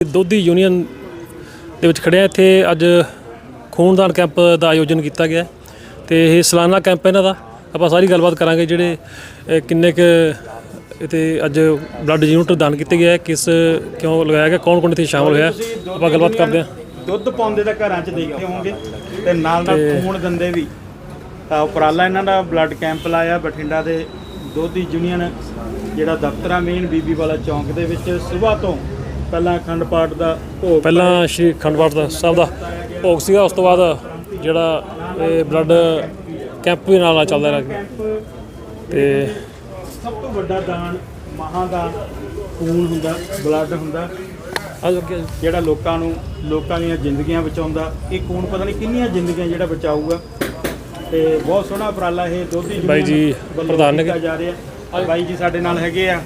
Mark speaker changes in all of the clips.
Speaker 1: दोधी union ਦੇ ਵਿੱਚ ਖੜਿਆ ਇੱਥੇ ਅੱਜ ਖੂਨਦਾਨ ਕੈਂਪ ਦਾ ਆਯੋਜਨ ਕੀਤਾ ਗਿਆ ਤੇ ਇਹ ਸਾਲਾਨਾ ਕੈਂਪ ਇਹਨਾਂ ਦਾ ਆਪਾਂ ਸਾਰੀ ਗੱਲਬਾਤ ਕਰਾਂਗੇ ਜਿਹੜੇ ਕਿੰਨੇ ਕੁ ਇੱਥੇ ਅੱਜ ਬਲੱਡ ਯੂਨਿਟ ਦਾਨ ਕੀਤੇ ਗਏ ਕਿਸ ਕਿਉਂ ਲਗਾਇਆ ਗਿਆ ਕੌਣ ਕੌਣ ਇੱਥੇ ਸ਼ਾਮਲ ਹੋਇਆ ਆਪਾਂ ਗੱਲਬਾਤ ਕਰਦੇ ਹਾਂ।
Speaker 2: ਦੁੱਧ ਪਾਉਂਦੇ ਤਾਂ ਘਰਾਂ 'ਚ ਦੇਖੇ ਹੋਵੋਗੇ ਤੇ ਨਾਲ ਖੂਨ ਦਿੰਦੇ ਵੀ ਤਾਂ ਉਪਰਾਲਾ ਇਹਨਾਂ ਦਾ ਬਲੱਡ ਕੈਂਪ ਲਾਇਆ ਬਠਿੰਡਾ ਦੇ ਦੋਧੀ ਯੂਨੀਅਨ ਜਿਹੜਾ ਦਫ਼ਤਰ ਆ ਮੇਨ ਬੀਬੀ ਵਾਲਾ ਚੌਂਕ ਦੇ ਵਿੱਚ ਸਵੇਰ ਤੋਂ ਪਹਿਲਾਂ ਅਖੰਡ ਪਾਠ ਦਾ ਭੋਗ
Speaker 1: ਪਹਿਲਾਂ ਸ਼੍ਰੀ ਅਖੰਡ ਪਾਠ ਦਾ ਸਾਹਿਬ ਦਾ ਭੋਗ ਸੀਗਾ ਉਸ ਤੋਂ ਬਾਅਦ ਜਿਹੜਾ ਇਹ ਬਲੱਡ ਕੈਂਪ ਵੀ ਨਾਲ ਚੱਲਦਾ ਰਿਹਾ ਤੇ
Speaker 2: ਸਭ ਤੋਂ ਵੱਡਾ ਦਾਨ ਮਹਾਦਾਨ ਖੂਨ ਹੁੰਦਾ ਬਲੱਡ ਹੁੰਦਾ ਜਿਹੜਾ ਲੋਕਾਂ ਦੀਆਂ ਜ਼ਿੰਦਗੀਆਂ ਬਚਾਉਂਦਾ ਇਹ ਖੂਨ ਪਤਾ ਨਹੀਂ ਕਿੰਨੀਆਂ ਜ਼ਿੰਦਗੀਆਂ ਜਿਹੜਾ ਬਚਾਊਗਾ ਤੇ ਬਹੁਤ ਸੋਹਣਾ ਉਪਰਾਲਾ ਇਹ ਦੋਧੀ
Speaker 1: ਬਾਈ ਜੀ ਪ੍ਰਧਾਨ ਨੇ
Speaker 2: ਜਾ ਰਿਹਾ ਬਾਈ ਜੀ ਸਾਡੇ ਨਾਲ ਹੈਗੇ ਆ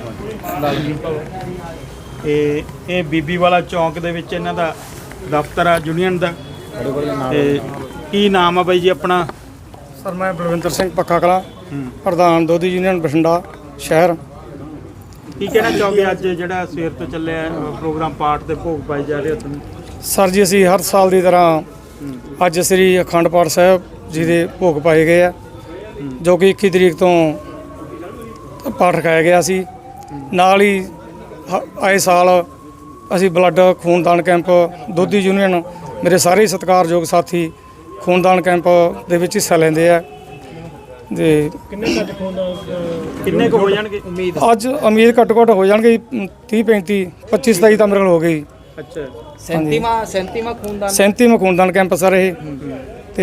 Speaker 2: ਇਹ ਬੀਬੀ ਵਾਲਾ ਚੌਂਕ ਦੇ ਵਿੱਚ ਇਹਨਾਂ ਦਾ ਦਫ਼ਤਰ ਆ ਯੂਨੀਅਨ ਦਾ ਤੇ ਕੀ ਨਾਮ ਆ ਬਾਈ ਜੀ ਆਪਣਾ?
Speaker 3: ਸਰ ਮੈਂ ਬਲਵਿੰਦਰ ਸਿੰਘ ਪੱਕਾ ਕਲਾਂ ਪ੍ਰਧਾਨ ਦੋਧੀ ਯੂਨੀਅਨ ਬਠਿੰਡਾ ਸ਼ਹਿਰ।
Speaker 2: ਕੀ ਕਹਿਣਾ ਚਾਹੋਗੇ ਅੱਜ ਜਿਹੜਾ ਸਵੇਰ ਤੋਂ ਚੱਲਿਆ ਪ੍ਰੋਗਰਾਮ ਪਾਠ ਦੇ ਭੋਗ ਪਾਏ ਜਾ ਰਹੇ ਤੁਹਾਨੂੰ?
Speaker 3: ਸਰ ਜੀ ਅਸੀਂ ਹਰ ਸਾਲ ਦੀ ਤਰ੍ਹਾਂ ਅੱਜ ਸ੍ਰੀ ਅਖੰਡ ਪਾਠ ਸਾਹਿਬ ਜੀ ਦੇ ਭੋਗ ਪਾਏ ਗਏ ਆ ਜੋ ਕਿ 21 ਤਰੀਕ ਤੋਂ ਪਾਠ ਰਖਾਇਆ ਗਿਆ ਸੀ। ਨਾਲ ਹੀ ਆਏ ਸਾਲ ਅਸੀਂ ਬਲੱਡ ਖੂਨਦਾਨ ਕੈਂਪ ਦੋਧੀ ਯੂਨੀਅਨ ਮੇਰੇ ਸਾਰੇ ਸਤਿਕਾਰਯੋਗ ਸਾਥੀ ਖੂਨਦਾਨ ਕੈਂਪ ਦੇ ਵਿੱਚ ਹਿੱਸਾ ਲੈਂਦੇ ਆ ਤੇ
Speaker 2: ਕਿੰਨੇ ਕੁ ਹੋ ਜਾਣਗੇ ਉਮੀਦ?
Speaker 3: ਅੱਜ ਉਮੀਦ ਘੱਟੋ ਘੱਟ ਹੋ ਜਾਣਗੇ 30 35 25 27 ਤਾਂ ਮੇਰੇ ਕੋਲ ਹੋ ਗਈ।
Speaker 2: ਅੱਛਾ
Speaker 3: 37ਵਾਂ ਖੂਨਦਾਨ ਕੈਂਪ ਸਰ ਇਹ ਤੇ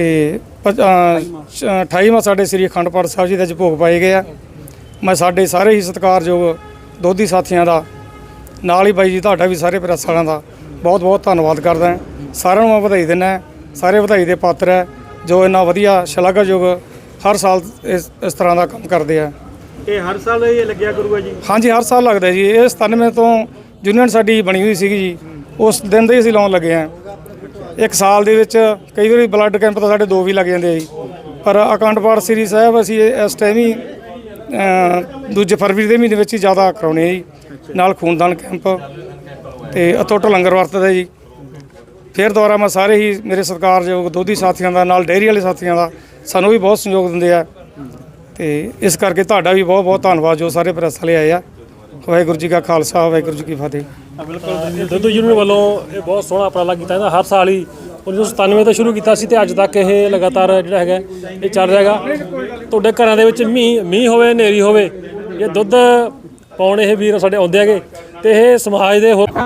Speaker 3: 28ਵਾਂ ਸਾਡੇ ਸ੍ਰੀ ਅਖੰਡ ਪਾਠ ਸਾਹਿਬ ਜੀ ਦੇ ਅੱਜ ਭੋਗ ਪਾਏ ਗਏ ਆ। ਮੈਂ ਸਾਡੇ ਸਾਰੇ ਹੀ ਸਤਿਕਾਰਯੋਗ ਦੋਧੀ ਸਾਥੀਆਂ ਦਾ ਨਾਲ ਹੀ ਬਾਈ ਜੀ ਤੁਹਾਡਾ ਵੀ ਸਾਰੇ ਪ੍ਰੈਸ ਵਾਲਿਆਂ ਦਾ ਬਹੁਤ ਬਹੁਤ ਧੰਨਵਾਦ ਕਰਦਾ ਹਾਂ। ਸਾਰਿਆਂ ਨੂੰ ਮੈਂ ਵਧਾਈ ਦਿੰਦਾ, ਸਾਰੇ ਵਧਾਈ ਦੇ ਪਾਤਰ ਹੈ ਜੋ ਇੰਨਾ ਵਧੀਆ ਸ਼ਲਾਘਾਯੋਗ ਹਰ ਸਾਲ ਇਸ ਤਰ੍ਹਾਂ ਦਾ ਕੰਮ ਕਰਦੇ ਆ।
Speaker 2: ਇਹ ਹਰ ਸਾਲ ਇਹ ਲੱਗਿਆ ਕਰੂਗਾ ਜੀ?
Speaker 3: ਹਾਂਜੀ ਹਰ ਸਾਲ ਲੱਗਦਾ ਜੀ। ਇਹ 97 ਤੋਂ ਯੂਨੀਅਨ ਸਾਡੀ ਬਣੀ ਹੋਈ ਸੀਗੀ ਜੀ, ਉਸ ਦਿਨ ਦੇ ਹੀ ਅਸੀਂ ਲਾਉਣ ਲੱਗੇ ਹਾਂ। ਇੱਕ ਸਾਲ ਦੇ ਵਿੱਚ ਕਈ ਵਾਰੀ ਬਲੱਡ ਕੈਂਪ ਤਾਂ ਸਾਡੇ 2 ਵੀ ਲੱਗ ਜਾਂਦੇ ਆ ਜੀ, ਪਰ ਅਖੰਡ ਪਾਠ ਸ੍ਰੀ ਸਾਹਿਬ ਅਸੀਂ ਇਸ ਟਾਈਮ ਹੀ 2 ਫਰਵਰੀ ਦੇ ਮਹੀਨੇ ਵਿੱਚ ਹੀ ਜ਼ਿਆਦਾ ਕਰਾਉਣੇ ਆ ਜੀ। ਨਾਲ ਖੂਨਦਾਨ ਕੈਂਪ ਤੇ ਅਤੁੱਟ ਲੰਗਰ ਵਰਤਦਾ ਜੀ। ਫਿਰ ਦੁਬਾਰਾ ਮੈਂ ਸਾਰੇ ਹੀ ਮੇਰੇ ਸਤਿਕਾਰਯੋਗ ਦੋਧੀ ਸਾਥੀਆਂ ਦਾ ਨਾਲ ਡੇਅਰੀ ਵਾਲੇ ਸਾਥੀਆਂ ਦਾ ਸਾਨੂੰ ਵੀ ਬਹੁਤ ਸਹਿਯੋਗ ਦਿੰਦੇ ਆ ਤੇ ਇਸ ਕਰਕੇ ਤੁਹਾਡਾ ਵੀ ਬਹੁਤ ਬਹੁਤ ਧੰਨਵਾਦ ਜੋ ਸਾਰੇ ਪ੍ਰੈਸ ਵਾਲੇ ਆਏ ਆ। ਵਾਹਿਗੁਰੂ ਜੀ ਕਾ ਖਾਲਸਾ ਵਾਹਿਗੁਰੂ ਜੀ ਕੀ ਫਤਿਹ।
Speaker 1: ਬਿਲਕੁਲ ਦੋਧੀ ਯੂਨੀਅਨ ਵੱਲੋਂ ਇਹ ਬਹੁਤ ਸੋਹਣਾ ਉਪਰਾਲਾ ਕੀਤਾ ਜਾਂਦਾ। ਹਰ ਸਾਲ ਹੀ 1997 ਤੋਂ ਸ਼ੁਰੂ ਕੀਤਾ ਸੀ ਤੇ ਅੱਜ ਤੱਕ ਇਹ ਲਗਾਤਾਰ ਜਿਹੜਾ ਹੈਗਾ ਇਹ ਚੱਲ ਰਿਹਾ ਹੈਗਾ। ਤੁਹਾਡੇ ਘਰਾਂ ਦੇ ਵਿੱਚ ਮੀਂਹ ਹੋਵੇ ਹਨੇਰੀ ਹੋਵੇ ਇਹ ਦੁੱਧ ਪਾਉਣ ਇਹ ਵੀਰ ਸਾਡੇ ਆਉਂਦੇ ਹੈਗੇ ਤੇ ਇਹ ਸਮਾਜ ਦੇ ਹੋਰ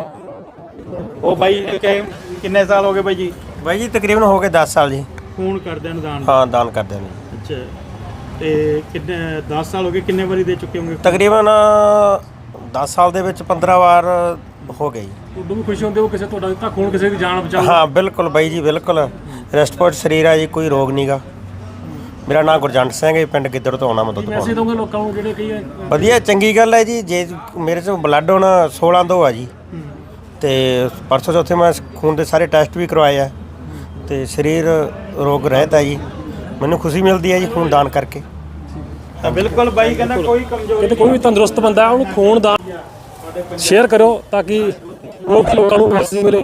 Speaker 2: ਉਹ ਬਾਈ ਕਿੰਨੇ ਸਾਲ ਹੋ ਗਏ ਬਾਈ ਜੀ?
Speaker 4: ਬਾਈ ਜੀ ਤਕਰੀਬਨ ਹੋ ਗਏ 10 ਸਾਲ ਜੀ।
Speaker 2: ਖੂਨ ਕਰਦੇ ਨੇ ਦਾਨ?
Speaker 4: ਹਾਂ ਦਾਨ ਕਰਦੇ ਨੇ।
Speaker 2: ਅੱਛਾ ਤੇ ਕਿੰਨੇ 10 ਸਾਲ ਹੋ ਗਏ, ਕਿੰਨੇ ਵਾਰੀ ਦੇ ਚੁੱਕੇ ਹੋਗੇ?
Speaker 4: ਤਕਰੀਬਨ 10 ਸਾਲ ਦੇ ਵਿੱਚ 15 ਵਾਰ ਹੋ ਗਈ।
Speaker 1: ਤੁਹਾਨੂੰ ਵੀ ਖੁਸ਼ੀ ਹੁੰਦੀ ਉਹ ਕਿਸੇ ਤੁਹਾਡਾ ਦਿੱਤਾ ਖੂਨ ਕਿਸੇ ਦੀ ਜਾਨ ਬਚਾਉ?
Speaker 4: ਹਾਂ ਬਿਲਕੁਲ ਬਾਈ ਜੀ ਬਿਲਕੁਲ। ਰਿਸਪੋਰਟ ਸਰੀਰ ਆ ਜੀ, ਕੋਈ ਰੋਗ ਨਹੀਂਗਾ। ਮੇਰਾ ਨਾਮ ਗੁਰਜੰਟ ਸਿੰਘ ਹੈ, ਪਿੰਡ ਗਿੱਦੜ ਤੋਂ ਆਉਣਾ ਮੈਂ ਦੁੱਧ
Speaker 1: ਪੈਸੇ ਦੋਗੇ ਲੋਕਾਂ ਨੂੰ ਜਿਹੜੇ ਕਈ
Speaker 4: ਵਧੀਆ ਚੰਗੀ ਗੱਲ ਹੈ ਜੀ। ਜੇ ਮੇਰੇ 'ਚੋਂ ਬਲੱਡ ਹੁਣ 16 ਤੋਂ ਆ ਜੀ ਤੇ ਪਰਸੋਂ ਚੌਥੇ ਮੈਂ ਖੂਨ ਦੇ ਸਾਰੇ ਟੈਸਟ ਵੀ ਕਰਵਾਏ ਆ ਤੇ ਸਰੀਰ ਰੋਗ ਰਹਿਤ ਹੈ ਜੀ। ਮੈਨੂੰ ਖੁਸ਼ੀ ਮਿਲਦੀ ਹੈ ਜੀ ਖੂਨ ਦਾਨ ਕਰਕੇ।
Speaker 2: ਬਿਲਕੁਲ ਬਾਈ ਕਹਿੰਦਾ ਕੋਈ ਕਮਜ਼ੋਰੀ
Speaker 1: ਕਿਤੇ ਕੋਈ ਵੀ ਤੰਦਰੁਸਤ ਬੰਦਾ ਉਹਨੂੰ ਖੂਨ ਦਾਨ ਸ਼ੇਅਰ ਕਰੋ ਤਾਂ ਕਿ ਲੋਕਾਂ ਨੂੰ ਮੈਸੇਜ ਮਿਲੇ।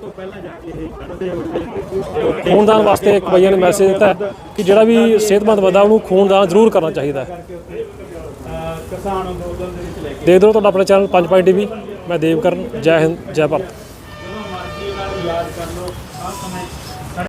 Speaker 1: ਖੂਨਦਾਨ ਵਾਸਤੇ ਇੱਕ ਬਾਈਆਂ ਨੇ ਮੈਸੇਜ ਦਿੱਤਾ ਕਿ ਜਿਹੜਾ ਵੀ ਸਿਹਤਮੰਦ ਬੰਦਾ ਉਹਨੂੰ ਖੂਨਦਾਨ ਜ਼ਰੂਰ ਕਰਨਾ ਚਾਹੀਦਾ ਹੈ।
Speaker 2: ਕਿਸਾਨ ਅੰਦੋਲਨ ਦੇ ਵਿੱਚ ਲੈ ਕੇ
Speaker 1: ਦੇਖ ਦਿਓ ਤੁਹਾਡਾ ਆਪਣਾ ਚੈਨਲ 5 ਪੁਆਇੰਟ TV। ਮੈਂ ਦੇਵਕਰਨ। ਜੈ ਹਿੰਦ ਜੈ ਭਾਰਤ।
Speaker 2: ਮਰਜ਼ੀ ਨਾਲ ਇਲਾਜ ਕਰ ਲਓ।